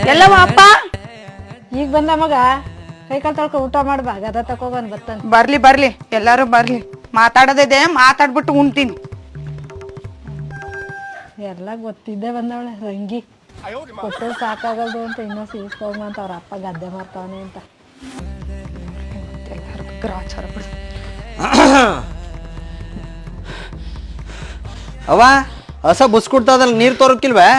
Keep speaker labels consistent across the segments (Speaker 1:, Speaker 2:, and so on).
Speaker 1: ಎಲ್ಲವ ಅಪ್ಪ
Speaker 2: ಈಗ ಬಂದ ಮಗ ಕೈ ಕಾಲು ತೊಳ್ಕೊ ಊಟ ಮಾಡ್ಬಾ ಗದ ತಕೋಬಂದ್ ಬತ್ತಾನ.
Speaker 1: ಬರ್ಲಿ ಎಲ್ಲಾರು ಬರ್ಲಿ, ಮಾತಾಡೋದಿದೆ ಮಾತಾಡ್ಬಿಟ್ಟು ಉಣ್ತೀನಿ.
Speaker 2: ಎಲ್ಲ ಗೊತ್ತಿದ್ದೆ ಬಂದವಳೆ ರಂಗಿ ಕೊಟ್ಟು ಸಾಕಾಗಲ್ದು ಅಂತ ಇನ್ನೂ ಸೀಸ್ಕೋಗ ಅಂತ ಅವ್ರ ಅಪ್ಪ ಗದ್ದೆ ಮಾಡ್ತಾವನೆ ಅಂತ.
Speaker 1: ಗ್ರಾಚಾರ ಬಿಡು.
Speaker 3: ಅವ ಹಸ ಬುಸ್ಕೊಡ್ತದಲ್ಲ ನೀರ್ ತೋರಕ್ಕಿಲ್ವೇ?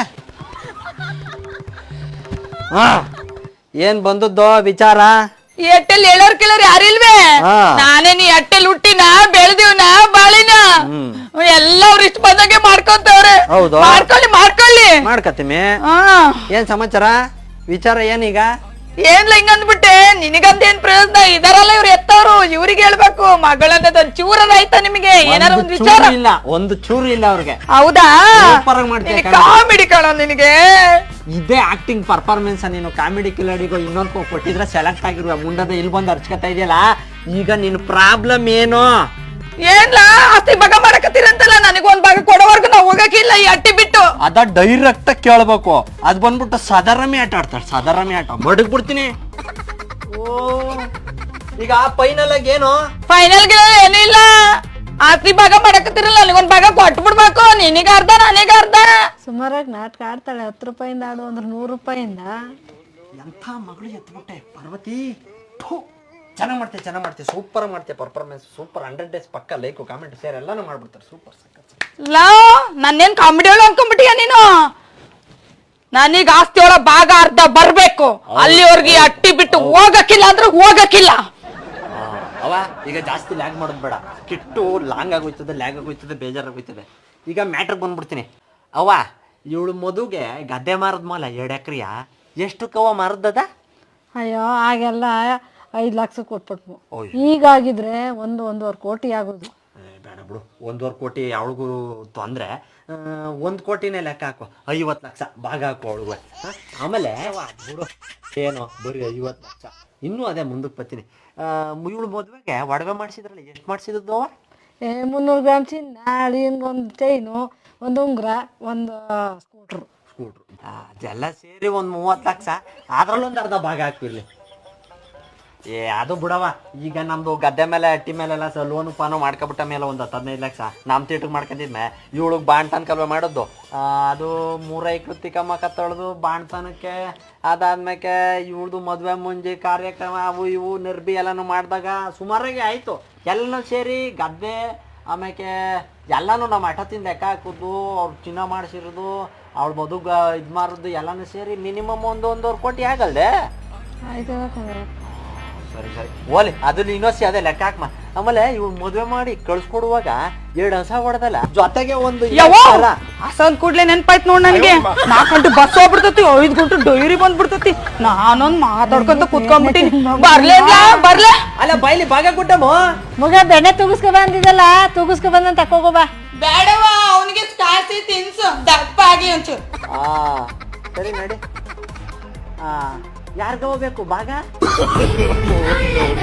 Speaker 3: ಹಾ ಏನ್ ಬಂದದ್ದೋ ವಿಚಾರ?
Speaker 1: ಎಟ್ಟೆಲ್ ಹೇಳೋರ್ ಕೇಳೋರ್ ಯಾರಿಲ್ವೇ? ನಾನೇ ನೀ ಎಟ್ಟೆಲ್ ಹುಟ್ಟಿನ ಬೆಳೆದಿವ್ನ ಬಾಳಿನ ಎಲ್ಲ ಅವ್ರ ಇಷ್ಟ ಬಂದಂಗೆ ಮಾಡ್ಕೊಂತವ್ರೆ.
Speaker 3: ಹೌದು
Speaker 1: ಮಾಡ್ಕೊಳ್ಳಿ
Speaker 3: ಮಾಡ್ಕತ್ತೀಮಿ. ಏನ್ ಸಮಾಚಾರ ವಿಚಾರ ಏನೀಗ?
Speaker 1: ಏನ್ಲ ಹಿಂಗಂದ್ಬಿಟ್ಟೆ, ನಿನಗಂದೇನ್ ಪ್ರಯೋಜನ? ಇದಾರಲ್ಲ ಇವ್ರು ಎತ್ತವ್ರು, ಇವ್ರಿಗೆ ಹೇಳ್ಬೇಕು. ಮಗಳಂದ ಚೂರದ ಆಯ್ತಾ ನಿಮಗೆ? ಏನಾರ ಒಂದ್ ವಿಚಾರ
Speaker 3: ಇಲ್ಲ, ಒಂದು ಚೂರು ಇಲ್ಲ ಅವ್ರಿಗೆ.
Speaker 1: ಹೌದಾ?
Speaker 3: ಮಾಡ್ತೀನಿ
Speaker 1: ಕಾಮಿಡಿ ಕಾಣ ನಿನಗೆ.
Speaker 3: ಇದೇ ಆಕ್ಟಿಂಗ್ ಪರ್ಫಾರ್ಮೆನ್ಸ್. ನೀನು ಕಾಮಿಡಿ ಕಿಲಾಡಿಗೋ ಇನ್ನೊಂದು ಕೊಟ್ಟಿದ್ರೆ ಸೆಲೆಕ್ಟ್ ಆಗಿರುವ ಮುಂಡದ ಇಲ್ಲಿ ಬಂದು ಅರ್ಚ್ಕೊತಾ ಇದೆಯಲ್ಲ. ಈಗ ನಿನ್ ಪ್ರಾಬ್ಲಮ್ ಏನು?
Speaker 1: ಏನ್ಲ ಆಸ್ತಿ ಭಾಗ ಮಾಡಕತ್ತೀರಂತಲ್ಲ, ನನಗೊಂದ್ ಭಾಗ ಕೊಡೋವರ್ಗು ನಾವ್ ಹೋಗಕ್ಕಿಲ್ಲ ಈ ಅಟ್ಟಿ ಬಿಟ್ಟು.
Speaker 3: ಅದ ಡೈರೆಕ್ಟ್ ಕೇಳ್ಬೇಕು. ಅದ್ ಬಂದ್ಬಿಟ್ಟು ಸಾಧಾರಣಿ ಆಟ ಆಡ್ತಾಳೆ, ಸಾಧಾರಣಿ ಆಟ ಮಡಗ್ ಬಿಡ್ತೀನಿ. ಓ ಈಗ ಫೈನಲ್ ಆಗಿ ಏನು?
Speaker 1: ಫೈನಲ್ ಗೆ ಏನೂ ಇಲ್ಲ, ಆಸ್ತಿ ಭಾಗ ಮಾಡಕತ್ತಿರಲ್ಲ, ನನಗೊಂದ್ ಭಾಗ ಕೊಟ್ಟು ಬಿಡ್ಬೇಕು. ನಿನಗ ಅರ್ಧ ನನಗ ಅರ್ಧ.
Speaker 2: ಸುಮಾರಾಗಿ ನಾಟಕ ಆಡ್ತಾಳೆ. 10 ರೂಪಾಯಿಂದ ಆಡು ಅಂದ್ರೆ 100 ರೂಪಾಯಿಂದ.
Speaker 3: ಎಂಥ ಮಗಳು ಎತ್ಬಿಟ್ಟೆ ಪಾರ್ವತಿ. ಚೆನ್ನಾಗಿ ಮಾಡ್ತೆ ಸೂಪರ್ ಮಾಡ್ತೆ ಪರ್ಫಾರ್ಮೆನ್ಸ್. ಸೂಪರ್ 100 ಡೇಸ್ ಪಕ್ಕ ಲೈಕ್ ಕಾಮೆಂಟ್ ಶೇರ್ ಎಲ್ಲಾನು ಮಾಡ್ಬಿಡ್ತಾರೆ. ಸೂಪರ್ ಸಕ್ಕ
Speaker 1: ಲಾ ನನ್ನೇನ್ ಕಾಮಿಡಿ ಒಳ ಅನ್ಕೊಂಡ್ಬಿಟ್ಟಿಯ ನೀನು? ನನೀಗ ಆಸ್ತಿ ಒಳ ಭಾಗ ಅರ್ಧ ಬರ್ಬೇಕು. ಅಲ್ಲಿವರ್ಗೆ ಅಟ್ಟಿ ಬಿಟ್ಟು ಹೋಗಕ್ಕಿಲ್ಲ ಅಂದ್ರೆ ಹೋಗಕ್ಕಿಲ್ಲ.
Speaker 3: ಅವ ಈಗ ಜಾಸ್ತಿ ಲ್ಯಾಗ್ ಮಾಡೋದು ಬೇಡ. ಕಿಟ್ಟು ಲಾಂಗ್ ಆಗೋಯ್ತದೆ, ಲ್ಯಾಗ್ ಆಗೋಯ್ತದೆ, ಬೇಜಾರಾಗೋಯ್ತದೆ. ಈಗ ಮ್ಯಾಟ್ರಿಗೆ ಬಂದ್ಬಿಡ್ತೀನಿ. ಅವ ಇವಳು ಮದುಗೆ ಗದ್ದೆ ಮಾರದ್ ಮಾಲ 2 ಎಕರೆಯ ಎಷ್ಟು ಕವ ಮಾರದದ?
Speaker 2: ಅಯ್ಯೋ ಆಗೆಲ್ಲ 5 ಲಕ್ಷ ಕೊಟ್ಬಿಟ್ವು. ಈಗಾಗಿದ್ರೆ 1-1.5 ಕೋಟಿ ಆಗೋದು.
Speaker 3: ಬೇಡ ಬಿಡು, 1.5 ಕೋಟಿ ಅವಳಿಗೂ ತೊಂದರೆ. 1 ಕೋಟಿನೇ ಲೆಕ್ಕ ಹಾಕು, 50 ಲಕ್ಷ ಭಾಗ ಹಾಕು ಅವಳಿಗೆ. ಆಮೇಲೆ ಬಿಡು ಏನು ಬರೀ 50 ಲಕ್ಷ. ಇನ್ನೂ ಅದೇ ಮುಂದಕ್ಕೆ ಬರ್ತೀನಿ. ಇವಳು ಮದುವೆಗೆ ಒಡವೆ ಮಾಡಿಸಿದ್ರಲ್ಲ, ಎಷ್ಟು ಮಾಡಿಸಿದ್ದು?
Speaker 2: 300 ಗ್ರಾಮ್ ಚಿನ್ನ, ಅಳಿಯನ್ಗೆ ಒಂದು ಚೈನು, ಒಂದು ಉಂಗುರ, ಒಂದು ಸ್ಕೂಟ್ರು.
Speaker 3: ಅದೆಲ್ಲ ಸೇರಿ ಒಂದು 30 ಲಕ್ಷ. ಅದ್ರಲ್ಲೊಂದು ಅರ್ಧ ಭಾಗ ಹಾಕ್ಬಿರ್ಲಿ. ಅದು ಬಿಡವ. ಈಗ ನಮ್ದು ಗದ್ದೆ ಮೇಲೆ ಅಟ್ಟಿ ಮೇಲೆಲ್ಲ ಲೋನು ಪಾನು ಮಾಡ್ಕೊಬಿಟ್ಟ ಮೇಲೆ ಒಂದು 15 ಲಕ್ಷ ನಮ್ಮ ತೇಟಿಗೆ ಮಾಡ್ಕೊಂಡಿದ್ಮೆ. ಇವಳಿಗೆ ಬಾಣ್ತನ ಕಲ್ವೆ ಮಾಡೋದು. ಅದು 3 ಎಕರೆ ಕಮ್ಮಕ್ಕ ತೊಳೆದು ಬಾಣ್ತನಕ್ಕೆ. ಅದಾದ್ಮೇಲೆ ಇವಳ್ದು ಮದುವೆ ಮುಂಜಿ ಕಾರ್ಯಕ್ರಮ ಅವು ಇವು ನಿರ್ಬಿ ಎಲ್ಲನೂ ಮಾಡಿದಾಗ ಸುಮಾರಾಗಿ ಆಯಿತು. ಎಲ್ಲನೂ ಸೇರಿ ಗದ್ದೆ ಆಮೇಲೆ ಎಲ್ಲನೂ ನಮ್ಮ ಹಠದಿಂದ ಲೆಕ್ಕ ಹಾಕೋದು, ಅವ್ರು ಚಿನ್ನ ಮಾಡಿಸಿರೋದು, ಅವಳು ಮದುಗ ಇದು ಮಾರೋದು ಎಲ್ಲನೂ ಸೇರಿ ಮಿನಿಮಮ್ 1-1.5 ಕೋಟಿ ಆಗಲ್ದೆ?
Speaker 2: ಆಯ್ತು.
Speaker 3: ಸರಿ ಓಲಿ ಅದ್ರಲ್ಲಿ ಇನ್ನೊಸಿ ಅದೇ ಲೆಕ್ಕ ಹಾಕ್ಮ. ಆಮೇಲೆ ಇವ್ಳು ಮದುವೆ ಮಾಡಿ ಕಳ್ಸ್ಕೊಡುವಾಗ 2 ಹಸ ಹೊಡೆದಲ್ಲ, ಜೊತೆಗೆ ಒಂದು
Speaker 1: ಹಸಂದ್ ಕೂಡ್ಲೆ ನೆನ್ಪಾಯ್ತು ನೋಡ್ ನನಗೆ. 4 ಗಂಟೆ ಬಸ್ ಹೋಗ್ಬಿಡ್ತತಿ, 5 ಗಂಟೆ ಡೈರಿ ಬಂದ್ಬಿಡ್ತತಿ. ನಾನೊಂದ್ ಮಾತಾಡ್ಕೊಂತ ಕುತ್ಕೊಂಡ್ಬಿಟ್ಟಿನಿ. ಬರ್ಲೇ
Speaker 3: ಅಲ್ಲ ಬೈಲಿ ಭಾಗ ಕೊಟ್ಟಮ್ಮ.
Speaker 2: ಮಗ ಬೆಣ್ಣೆ ತೂಗಿಸ್ಕೊ ಬಂದಿದ್ದಲ್ಲ, ತೂಗಿಸ್ಕೊ ಬಂದಂತ ತಕೋಬಾ.
Speaker 1: ಬೇಡವಾ, ಅವನಿಗೆ ಕಾಸಿ ತಿನ್ಸು ದಪ್ಪ ಆಗಿ ಒಂಚೂರು.
Speaker 3: ಸರಿ ನಡಿ. ಯಾರ್ಗ ಹೋಗ್ಬೇಕು ಭಾಗ?